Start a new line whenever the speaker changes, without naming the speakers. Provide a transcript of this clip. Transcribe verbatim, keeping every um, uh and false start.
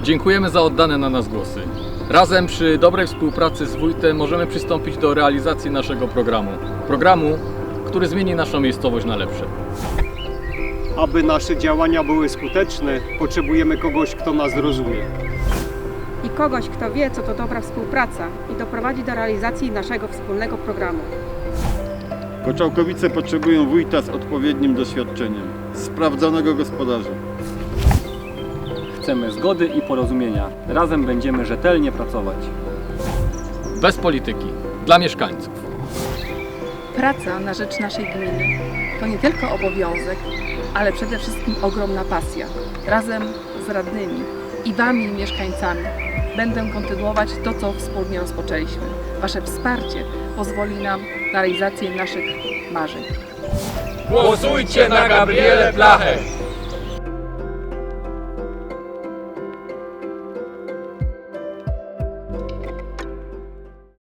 Dziękujemy za oddane na nas głosy. Razem przy dobrej współpracy z wójtem możemy przystąpić do realizacji naszego programu. Programu, który zmieni naszą miejscowość na lepsze.
Aby nasze działania były skuteczne, potrzebujemy kogoś, kto nas zrozumie.
I kogoś, kto wie, co to dobra współpraca i doprowadzi do realizacji naszego wspólnego programu.
Koczałkowice potrzebują wójta z odpowiednim doświadczeniem, sprawdzonego gospodarza.
Chcemy zgody i porozumienia. Razem będziemy rzetelnie pracować.
Bez polityki, dla mieszkańców.
Praca na rzecz naszej gminy to nie tylko obowiązek, ale przede wszystkim ogromna pasja. Razem z radnymi i Wami, mieszkańcami, będę kontynuować to, co wspólnie rozpoczęliśmy. Wasze wsparcie pozwoli nam na realizację naszych marzeń.
Głosujcie na Gabrielę Plachę!